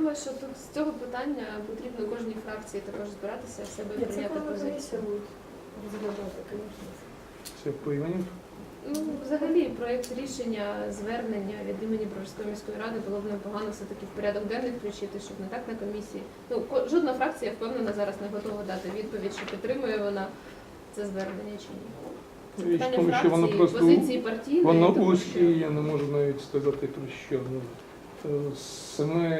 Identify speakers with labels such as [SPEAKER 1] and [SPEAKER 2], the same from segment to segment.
[SPEAKER 1] думаю, що тут з цього питання потрібно кожній фракції також збиратися, в себе прийняти позицію.
[SPEAKER 2] Це по Іванів?
[SPEAKER 1] Ну, взагалі, проєкт рішення, звернення від імені Броварської міської ради було б непогано все-таки в порядок денний включити, щоб не так на комісії. Ну, жодна фракція, впевнена, зараз не готова дати відповідь, чи підтримує вона це звернення чи ні. Це
[SPEAKER 2] Річ в
[SPEAKER 1] питання
[SPEAKER 2] тому, що воно
[SPEAKER 1] фракції,
[SPEAKER 2] просто
[SPEAKER 1] позиції партійної.
[SPEAKER 2] воно
[SPEAKER 1] тому
[SPEAKER 2] узьке,
[SPEAKER 1] що-
[SPEAKER 2] я не можу навіть сказати про що. Саме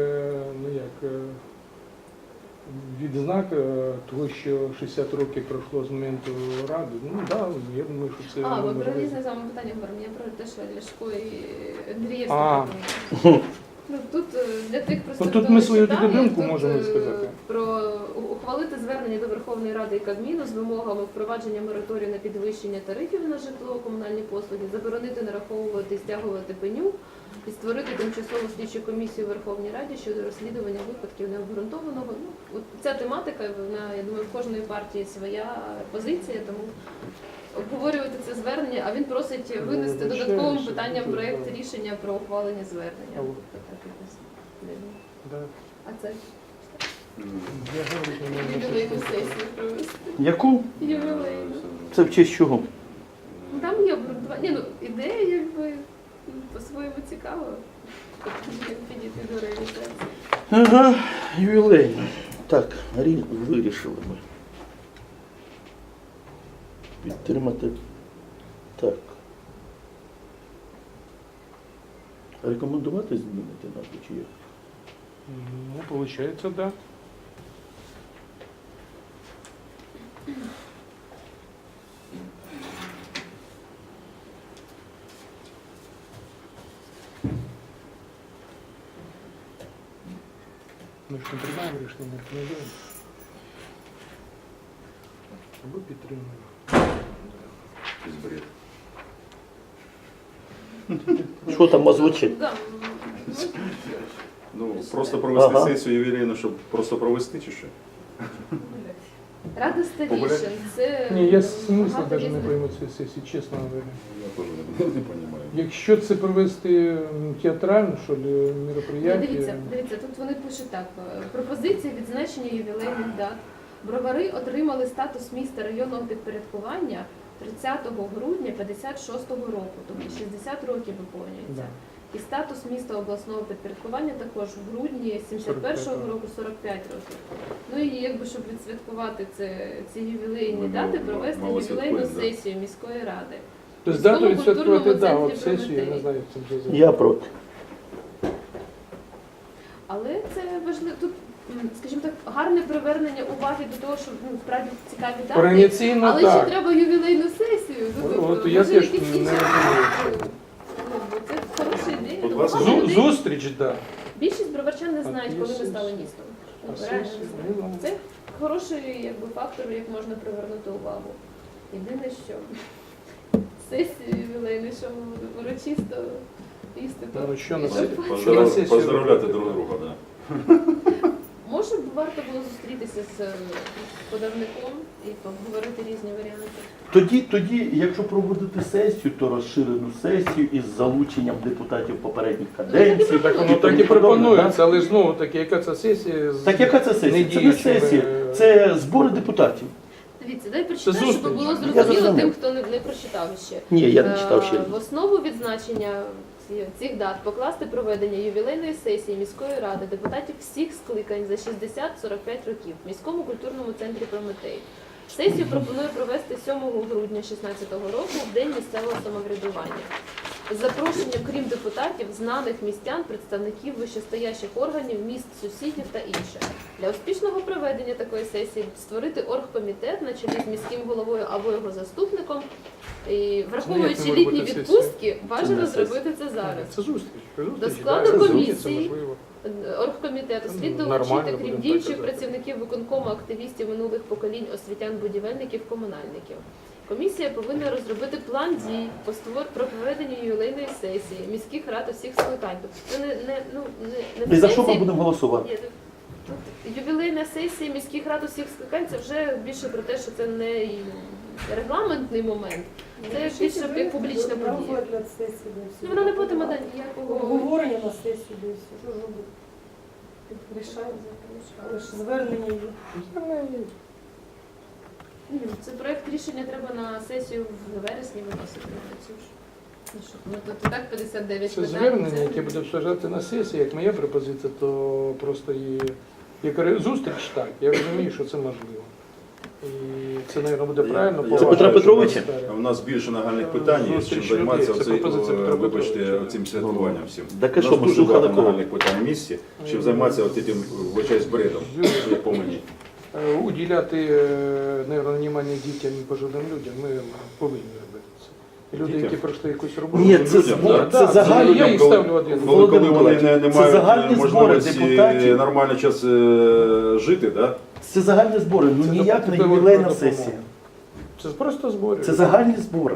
[SPEAKER 2] відзнак того, що 60 років пройшло з моменту Ради, я думаю, що це...
[SPEAKER 1] А, ми
[SPEAKER 2] можливо.
[SPEAKER 1] про різне з вами питання говоримо. Я про те, що Ляшко і Андрієвський.
[SPEAKER 2] А.
[SPEAKER 1] Ну, тут для тих просто,
[SPEAKER 2] Тут
[SPEAKER 1] хто
[SPEAKER 2] ми
[SPEAKER 1] не
[SPEAKER 2] свою
[SPEAKER 1] читає,
[SPEAKER 2] думку
[SPEAKER 1] тут,
[SPEAKER 2] можемо сказати.
[SPEAKER 1] Про ухвалити звернення до Верховної Ради і Кабміну з вимогами впровадження мораторію на підвищення тарифів на житло, комунальні послуги, заборонити нараховувати і стягувати пеню і створити тимчасову слідчу комісію у Верховній Раді щодо розслідування випадків необґрунтованого. Ну, от ця тематика, вона, я думаю, в кожної партії своя позиція, тому обговорювати це звернення, а він просить винести додатковим питанням проєкт рішення про ухвалення звернення. Так якось дивно.
[SPEAKER 2] Да.
[SPEAKER 1] А це
[SPEAKER 2] Я говорю, що не можу
[SPEAKER 1] ювілейну
[SPEAKER 2] сказати.
[SPEAKER 1] сесію провести.
[SPEAKER 3] Яку?
[SPEAKER 1] Ювілейну.
[SPEAKER 3] Це в честь чого?
[SPEAKER 1] Ну, там є обґрунтування. Ні, ну, ідея, якби, по-своєму цікава. Як підійти до реалізації.
[SPEAKER 3] Ага, ювілей. Так, вирішили ми. Підтримати. Так. Рекомендувати змінити назву чи як?
[SPEAKER 2] Ну, получается, да. Ми ж не приймаємо рішення, не рекомендуємо. Або підтримуємо.
[SPEAKER 3] Що там озвучить?
[SPEAKER 1] Да.
[SPEAKER 4] Ну, просто провести
[SPEAKER 3] Ага.
[SPEAKER 4] сесію ювілейну, щоб просто провести чи що?
[SPEAKER 1] Рада старішин.
[SPEAKER 4] Погуляти?
[SPEAKER 1] Це
[SPEAKER 2] Ні, я смисла
[SPEAKER 1] багато
[SPEAKER 2] навіть не
[SPEAKER 1] різних-
[SPEAKER 2] пойму цієї сесії, чесно говоря.
[SPEAKER 4] Я теж не розумію.
[SPEAKER 2] Якщо це провести театрально, що ли,
[SPEAKER 1] Ну,
[SPEAKER 2] мероприятие,
[SPEAKER 1] дивіться, тут вони пишуть так. Пропозиція відзначення ювілейних дат. Бровари отримали статус міста районного підпорядкування 30 грудня 56-го року, тобто 60 років виповнюється.
[SPEAKER 2] да.
[SPEAKER 1] І статус міста обласного підпорядкування також в грудні 71-го року 45 років. Ну і якби, щоб відсвяткувати ці ювілейні
[SPEAKER 4] Ми
[SPEAKER 1] дати,
[SPEAKER 4] мало
[SPEAKER 1] провести
[SPEAKER 4] святкуємо,
[SPEAKER 1] ювілейну
[SPEAKER 4] да.
[SPEAKER 1] сесію міської ради.
[SPEAKER 2] Тобто дату
[SPEAKER 1] Міському
[SPEAKER 2] відсвяткувати,
[SPEAKER 1] культурному
[SPEAKER 2] да,
[SPEAKER 1] центрі
[SPEAKER 2] от сесію, я не
[SPEAKER 1] Прометей.
[SPEAKER 2] знаю, як це вже зробити.
[SPEAKER 3] Я проти.
[SPEAKER 1] Але це важливо. Тут, скажімо так, гарне привернення уваги до того, що справді цікаві дати.
[SPEAKER 2] Організаційно
[SPEAKER 1] Але ще
[SPEAKER 2] так.
[SPEAKER 1] треба ювілейну сесію.
[SPEAKER 2] От я
[SPEAKER 1] може,
[SPEAKER 2] теж
[SPEAKER 1] якісь
[SPEAKER 2] не
[SPEAKER 1] інші
[SPEAKER 2] розумію.
[SPEAKER 1] варіанти. Ну, бо це хороша ідея.
[SPEAKER 4] От
[SPEAKER 1] Ну,
[SPEAKER 4] вас
[SPEAKER 1] багато людей-
[SPEAKER 2] Зустріч, да.
[SPEAKER 1] Більшість броварчан не
[SPEAKER 2] А
[SPEAKER 1] знають,
[SPEAKER 2] є
[SPEAKER 1] коли ми
[SPEAKER 2] сесія.
[SPEAKER 1] стали містом.
[SPEAKER 2] А
[SPEAKER 1] Ну, реально
[SPEAKER 2] сесія,
[SPEAKER 1] не
[SPEAKER 2] ну,
[SPEAKER 1] знають. Це хороший якби, фактор, як можна привернути увагу. Єдине, що сесію ювілейну, що ми будемо урочисто їсти.
[SPEAKER 2] Ну, що на
[SPEAKER 1] І
[SPEAKER 2] сесію?
[SPEAKER 1] щоб-
[SPEAKER 2] Що на сесію
[SPEAKER 4] Поздравляти
[SPEAKER 2] робити?
[SPEAKER 4] друг друга, да.
[SPEAKER 1] Може, б варто було зустрітися з подавником і поговорити різні варіанти.
[SPEAKER 3] Тоді, якщо проводити сесію, то розширену сесію із залученням депутатів попередніх каденцій.
[SPEAKER 2] Так воно
[SPEAKER 3] і
[SPEAKER 2] так і
[SPEAKER 3] тому подобне,
[SPEAKER 2] пропонується, але знову таки, яка це сесія? з
[SPEAKER 3] Так яка це сесія? Це не
[SPEAKER 2] недіючими-
[SPEAKER 3] сесія, це збори депутатів.
[SPEAKER 1] Дивіться, дай прочитаю,
[SPEAKER 2] зустріч.
[SPEAKER 1] щоб було
[SPEAKER 3] Я
[SPEAKER 1] зрозуміло
[SPEAKER 3] зрозумів.
[SPEAKER 1] тим, хто не прочитав ще.
[SPEAKER 3] Ні, я не читав ще.
[SPEAKER 1] В основу відзначення цих дат покласти проведення ювілейної сесії міської ради депутатів всіх скликань за 60-45 років в міському культурному центрі Прометей. Сесію пропоную провести 7 грудня 2016 року в День місцевого самоврядування. З запрошенням, крім депутатів, знаних містян, представників вищестоящих органів, міст, сусідів та інше. Для успішного проведення такої сесії створити оргкомітет на чолі з міським головою або його заступником. І враховуючи
[SPEAKER 2] Це як
[SPEAKER 1] літні
[SPEAKER 2] може бути
[SPEAKER 1] відпустки, бажано
[SPEAKER 3] не сесія.
[SPEAKER 1] зробити це зараз.
[SPEAKER 2] Це зустріч.
[SPEAKER 1] До складу
[SPEAKER 2] да, це
[SPEAKER 1] комісії
[SPEAKER 2] це можливо.
[SPEAKER 1] оргкомітету слід
[SPEAKER 2] Нормально,
[SPEAKER 1] долучити, крім
[SPEAKER 2] будемо
[SPEAKER 1] діючих
[SPEAKER 2] так казати.
[SPEAKER 1] працівників виконкому, активістів минулих поколінь, освітян, будівельників, комунальників. Комісія повинна розробити план дій про проведення ювілейної сесії міських рад усіх скликань. Тобто це не
[SPEAKER 3] І за що ми
[SPEAKER 1] сесії-
[SPEAKER 3] будемо голосувати?
[SPEAKER 1] Ні, тут ювілейна сесія міських рад усіх скликань, це вже більше про те, що це не регламентний момент, це більше як публічна подія.
[SPEAKER 5] Розгляд сесії, да,
[SPEAKER 1] Ну, вона не матиме ніякого.
[SPEAKER 5] обговорення на сесії, да, і все. Що ж робити? Рішають. Але ж звернення є.
[SPEAKER 1] Це проект рішення треба на сесію в вересні виносити. Ксюш. Ну що, ну тут і так 59
[SPEAKER 2] Це
[SPEAKER 1] питань.
[SPEAKER 2] звернення, яке буде обсуждати на сесії, як моя пропозиція, то просто її як зустріч так. Я розумію, що це можливо. І це, мабуть, буде правильно.
[SPEAKER 4] Я
[SPEAKER 3] Це
[SPEAKER 4] вважаю,
[SPEAKER 3] Петра
[SPEAKER 4] що
[SPEAKER 3] Петровича?
[SPEAKER 4] У нас більше нагальних питань, є, чим
[SPEAKER 2] Зустріч
[SPEAKER 4] займатися
[SPEAKER 2] людей. Це
[SPEAKER 4] оцей,
[SPEAKER 2] пропозиція Петра
[SPEAKER 4] вибачте,
[SPEAKER 2] Петровича.
[SPEAKER 4] цим святкуванням всім.
[SPEAKER 3] Так, а
[SPEAKER 4] У
[SPEAKER 3] що,
[SPEAKER 4] нас
[SPEAKER 3] ми
[SPEAKER 4] дуже
[SPEAKER 3] слухали
[SPEAKER 4] багато
[SPEAKER 3] кого?
[SPEAKER 4] нагальних питань в місті, чим займатися цим, вибачаюсь, бредом, як по мені.
[SPEAKER 2] Уділяти, мабуть, внимання дітям і пожилим людям ми повинні робити це. І люди,
[SPEAKER 4] Дітям?
[SPEAKER 2] які пройшли якусь роботу.
[SPEAKER 3] Ні, це
[SPEAKER 4] Людям,
[SPEAKER 3] збор,
[SPEAKER 4] да.
[SPEAKER 3] це загальні.
[SPEAKER 2] Я їх
[SPEAKER 4] Коли-
[SPEAKER 2] ставлю один.
[SPEAKER 4] Коли
[SPEAKER 3] Володимир
[SPEAKER 4] вони не
[SPEAKER 3] Миколаївич, це загальні
[SPEAKER 4] мають
[SPEAKER 3] збори
[SPEAKER 4] можливості
[SPEAKER 3] депутатів.
[SPEAKER 4] нормальний час жити, да?
[SPEAKER 3] Це загальні збори, ну
[SPEAKER 2] Це
[SPEAKER 3] ніяк не
[SPEAKER 2] допомога.
[SPEAKER 3] ювілейна сесія.
[SPEAKER 2] Це просто збори.
[SPEAKER 3] Це загальні збори.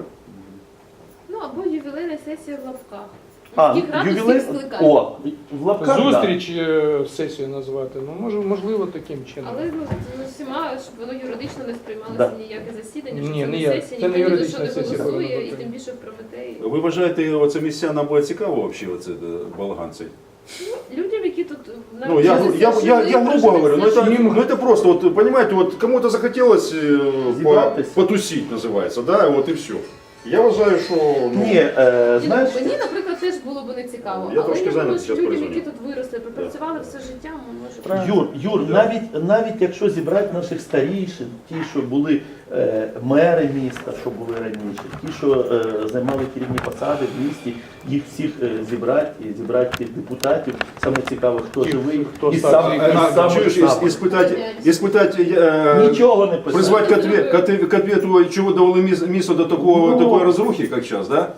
[SPEAKER 1] Ну або ювілейна сесія в лапках.
[SPEAKER 3] А,
[SPEAKER 1] Міських рад
[SPEAKER 3] ювілей...
[SPEAKER 1] усіх скликань.
[SPEAKER 3] О, в лапках, да.
[SPEAKER 2] Зустріч сесію назвати, ну можливо таким чином.
[SPEAKER 1] Але ну, всіма, щоб воно юридично не сприймалося
[SPEAKER 3] Да.
[SPEAKER 1] ніяке засідання, що
[SPEAKER 2] Ні,
[SPEAKER 1] це
[SPEAKER 2] не
[SPEAKER 1] не
[SPEAKER 2] я.
[SPEAKER 1] сесія,
[SPEAKER 2] Це не
[SPEAKER 1] ніхто ні за
[SPEAKER 2] юридична
[SPEAKER 1] що не
[SPEAKER 2] сесія
[SPEAKER 1] голосує,
[SPEAKER 2] повинна
[SPEAKER 1] і
[SPEAKER 2] бути.
[SPEAKER 1] тим більше в Прометеї.
[SPEAKER 4] Ви вважаєте, оце містянам буде цікаво взагалі, оце балаган цей?
[SPEAKER 1] Людям, які тут
[SPEAKER 4] Ну, я грубо говорю, но
[SPEAKER 2] Ним-
[SPEAKER 4] это просто, вот, понимаете, вот кому-то захотелось
[SPEAKER 3] Зібратися.
[SPEAKER 4] потусить, называется, да, вот и все. Я вважаю, що ну,
[SPEAKER 3] Ні, знаєш,
[SPEAKER 1] Мені, наприклад, теж було б не цікаво.
[SPEAKER 4] Я
[SPEAKER 1] Але
[SPEAKER 4] трошки
[SPEAKER 1] я думаю,
[SPEAKER 4] зайнятий
[SPEAKER 1] що
[SPEAKER 4] зараз
[SPEAKER 1] людям, які
[SPEAKER 4] перезвоню.
[SPEAKER 1] тут виросли, пропрацювали все життя, може.
[SPEAKER 2] Правильно.
[SPEAKER 3] Юр, навіть якщо зібрати наших старішин, ті, що були мери міста, що були раніше, ті, що займали керівні посади в місті, їх всіх зібрати і зібрати тих депутатів. Саме цікаво, хто
[SPEAKER 2] Ті,
[SPEAKER 3] живий
[SPEAKER 2] хто
[SPEAKER 3] і
[SPEAKER 2] старший.
[SPEAKER 3] сам
[SPEAKER 4] чуешь, испытать,
[SPEAKER 3] нічого не писав.
[SPEAKER 4] призвать к ответу, чего довели місто до
[SPEAKER 3] Ну.
[SPEAKER 4] такої розрухи, як зараз, да?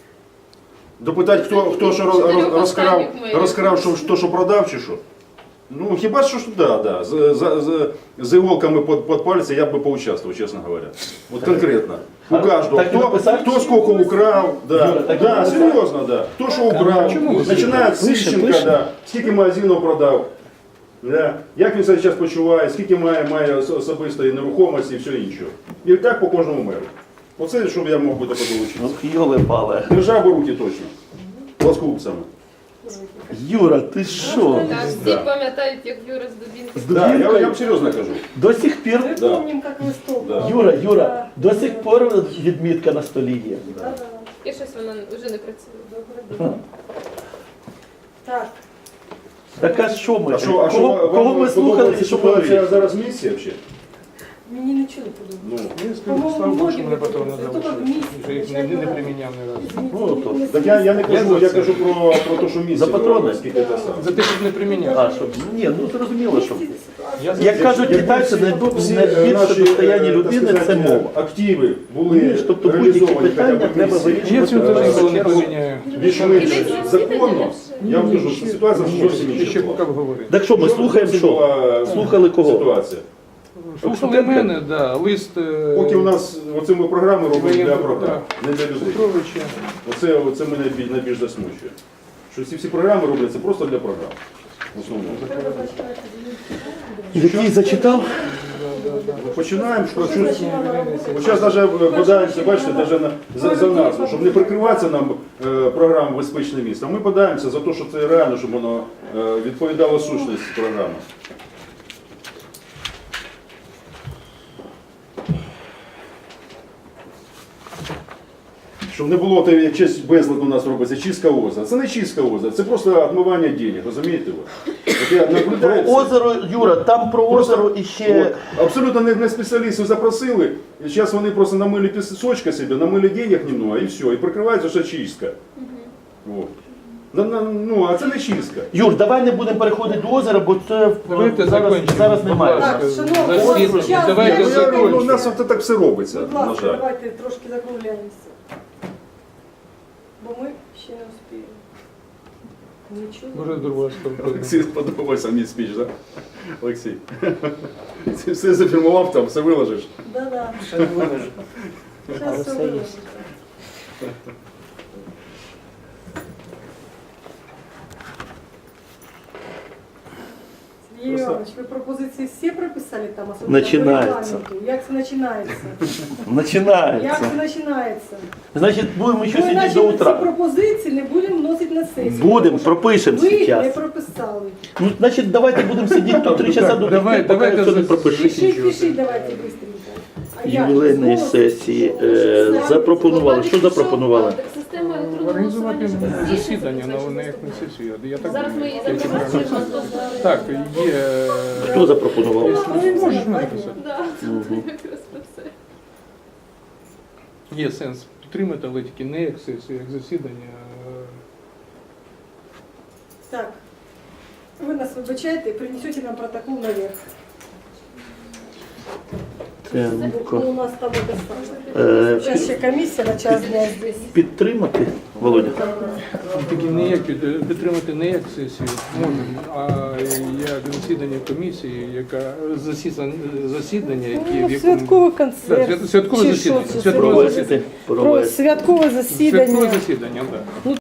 [SPEAKER 4] Допитати, хто що
[SPEAKER 1] Чотирьох
[SPEAKER 4] розкрав,
[SPEAKER 1] останніх мерів.
[SPEAKER 4] що продав чи що. Ну, хіба що, да. З иголками под пальцы я бы поучаствовал, честно говоря. Вот конкретно. У каждого.
[SPEAKER 3] Так и написать?
[SPEAKER 4] Кто сколько украл, да.
[SPEAKER 3] Юра, так и
[SPEAKER 4] Да,
[SPEAKER 3] написать?
[SPEAKER 4] серьезно, да. Кто что украл.
[SPEAKER 2] чому ви
[SPEAKER 4] Начинает з Сищенка, да. Скільки магазинів продав. Да. Як він себе зараз почуває, скільки має особистої нерухомості і все інше. І так по кожному меру. Оце, щоб я мог би таке долучитися.
[SPEAKER 3] Ну, йоли пале.
[SPEAKER 4] Держав би руки точно. Плоскупцями.
[SPEAKER 3] Юра, ти що?
[SPEAKER 1] Так, всі
[SPEAKER 4] Да.
[SPEAKER 1] пам'ятають, як Юра з Дубінки.
[SPEAKER 3] З
[SPEAKER 4] Да, я
[SPEAKER 3] Дубінкою?
[SPEAKER 4] вам серйозно кажу.
[SPEAKER 3] До сих пір,
[SPEAKER 5] Ми
[SPEAKER 4] Да.
[SPEAKER 5] пам'ятаємо, як листопад.
[SPEAKER 4] Да.
[SPEAKER 3] Юра, до сих пір відмітка на столі є.
[SPEAKER 5] Да-да.
[SPEAKER 1] І щось вона вже не працює.
[SPEAKER 5] Добре. Так.
[SPEAKER 3] Так а що ми?
[SPEAKER 4] А що
[SPEAKER 3] Кого ми слухали і що ми
[SPEAKER 4] подобається
[SPEAKER 3] робили?
[SPEAKER 4] зараз місці взагалі?
[SPEAKER 5] Мені нічого не подобається.
[SPEAKER 4] Ну,
[SPEAKER 2] Я скажу, слава Богу, що мене патрон не
[SPEAKER 5] Листопад
[SPEAKER 2] залишив.
[SPEAKER 5] місяць,
[SPEAKER 2] Вже їх не приміняв ні разу.
[SPEAKER 3] Ну, то.
[SPEAKER 4] так я не кажу,
[SPEAKER 2] за
[SPEAKER 4] я
[SPEAKER 2] це.
[SPEAKER 4] кажу про те, що місці.
[SPEAKER 3] За патрони?
[SPEAKER 4] Скільки це саме.
[SPEAKER 2] За те, щоб не приміняв.
[SPEAKER 3] А, що? Ні, ну зрозуміло, що.
[SPEAKER 2] Я
[SPEAKER 3] Як кажуть китайці, найбільше достояння людини це мова.
[SPEAKER 4] Активи були
[SPEAKER 3] Розумієш, тобто будь-які
[SPEAKER 4] реалізовані
[SPEAKER 3] питання
[SPEAKER 4] хоча б
[SPEAKER 3] треба
[SPEAKER 4] місці.
[SPEAKER 3] вирішувати.
[SPEAKER 2] Я цю теж ніколи не
[SPEAKER 3] Чергу.
[SPEAKER 2] поміняю.
[SPEAKER 4] Більш-менш законно. Я вам кажу, що ситуація зовсім
[SPEAKER 2] Ще
[SPEAKER 4] інша
[SPEAKER 2] поки
[SPEAKER 4] була.
[SPEAKER 2] говорити.
[SPEAKER 3] Так що, ми слухаємо що?
[SPEAKER 4] була
[SPEAKER 3] Слухали кого?
[SPEAKER 4] Ситуація.
[SPEAKER 2] Слухали мене, да, лист
[SPEAKER 4] Поки у нас оце ми програми робимо для
[SPEAKER 2] Воєнного,
[SPEAKER 4] програм, не для людей.
[SPEAKER 2] Петровича.
[SPEAKER 4] Оце мене найбільш засмучує. Що ці всі програми робляться просто для програм. В основному.
[SPEAKER 3] Який зачитав?
[SPEAKER 4] Починаємо, що зараз навіть подаємося, бачите, навіть за назву, щоб не прикриватися нам програму «Безпечне місто». Ми подаємося за те, що це реально, щоб воно відповідало сущності програми. Щоб не було те, як честь безлад у нас робиться, чистка озера. Це не чистка озера, це просто відмивання денег, розумієте ви? От я наблюдаю
[SPEAKER 3] Про
[SPEAKER 4] це.
[SPEAKER 3] озеро, Юра, там про
[SPEAKER 4] Просто-
[SPEAKER 3] озеро іще.
[SPEAKER 4] От, абсолютно не спеціалістів запросили, і зараз вони просто намили пісочка собі, намили денег немного, і все, і прикривається, що чистка. Вот. Ну, а це не чистка.
[SPEAKER 3] Юр, давай не будемо переходити до озера, бо це
[SPEAKER 2] Давайте
[SPEAKER 3] зараз
[SPEAKER 2] закінчимо.
[SPEAKER 3] немає.
[SPEAKER 5] Так,
[SPEAKER 2] Будь ласка,
[SPEAKER 5] шановні,
[SPEAKER 2] засідання.
[SPEAKER 5] ось час
[SPEAKER 2] Давайте
[SPEAKER 5] є.
[SPEAKER 4] Ну,
[SPEAKER 2] закінчимо.
[SPEAKER 4] у нас от так все робиться,
[SPEAKER 5] Будь
[SPEAKER 4] на
[SPEAKER 5] ласка,
[SPEAKER 4] жаль.
[SPEAKER 5] давайте трошки закругляємося. Бо ми ще не успіємо. Нічого.
[SPEAKER 2] Може, друга сторона.
[SPEAKER 4] Олексій, сподобався мій спіч, так? Олексій. Ти все зафільмував там, все виложиш.
[SPEAKER 5] Да-да.
[SPEAKER 6] Ще не виложу.
[SPEAKER 5] Зараз все
[SPEAKER 6] все є.
[SPEAKER 5] виложимо. Сергій Сергій
[SPEAKER 4] Просто-
[SPEAKER 5] Іванович, ви пропозиції всі прописали там, особливо
[SPEAKER 3] Починається.
[SPEAKER 5] по регламенту? Як це починається? Як
[SPEAKER 3] Починається.
[SPEAKER 5] це починається?
[SPEAKER 3] Значить, будемо ще
[SPEAKER 5] Ну,
[SPEAKER 3] сидіти
[SPEAKER 5] іначе
[SPEAKER 3] до
[SPEAKER 5] ми ці
[SPEAKER 3] утра.
[SPEAKER 5] пропозиції не будемо вносити на сесію.
[SPEAKER 3] Будемо,
[SPEAKER 5] тому що
[SPEAKER 3] пропишемо
[SPEAKER 5] ви не
[SPEAKER 3] зараз.
[SPEAKER 5] прописали.
[SPEAKER 3] Ну, значить, давайте будемо сидіти тут 3 часа до
[SPEAKER 2] Давай-
[SPEAKER 3] тих, поки
[SPEAKER 2] давайте
[SPEAKER 3] все не
[SPEAKER 2] за-
[SPEAKER 3] пропишемо.
[SPEAKER 5] Пишіть, давайте швидко.
[SPEAKER 3] Ювілейної сесії запропонували. Що запропонували?
[SPEAKER 1] Система електронного
[SPEAKER 2] Організувати
[SPEAKER 1] голосування, щоб всі
[SPEAKER 2] засідання на
[SPEAKER 1] виступили.
[SPEAKER 2] як не сесію. Я так
[SPEAKER 1] Зараз ми її
[SPEAKER 2] я чекаю.
[SPEAKER 1] запропонуємо.
[SPEAKER 2] Так, є.
[SPEAKER 3] Хто запропонував?
[SPEAKER 2] Можеш написати.
[SPEAKER 1] Да, якраз про це.
[SPEAKER 2] Є сенс підтримати, але тільки не як сесію, як засідання.
[SPEAKER 5] Так. Ви нас вибачаєте, принесете нам протокол наверх.
[SPEAKER 3] Тенко.
[SPEAKER 5] Ну, у нас там это самое. Сейчас ще комісія на час дня здесь.
[SPEAKER 3] Підтримати, Володя?
[SPEAKER 2] Тільки не як підтримати не як сесію можемо, а як засідання комісії, яка засідання, які в якому
[SPEAKER 5] Святковий
[SPEAKER 2] Да,
[SPEAKER 5] концерт.
[SPEAKER 2] святкове
[SPEAKER 5] Чи
[SPEAKER 2] засідання.
[SPEAKER 5] що це?
[SPEAKER 2] Святкове засідання.
[SPEAKER 3] Провести.
[SPEAKER 5] Святкове
[SPEAKER 2] Святкове
[SPEAKER 5] засідання.
[SPEAKER 2] засідання, так.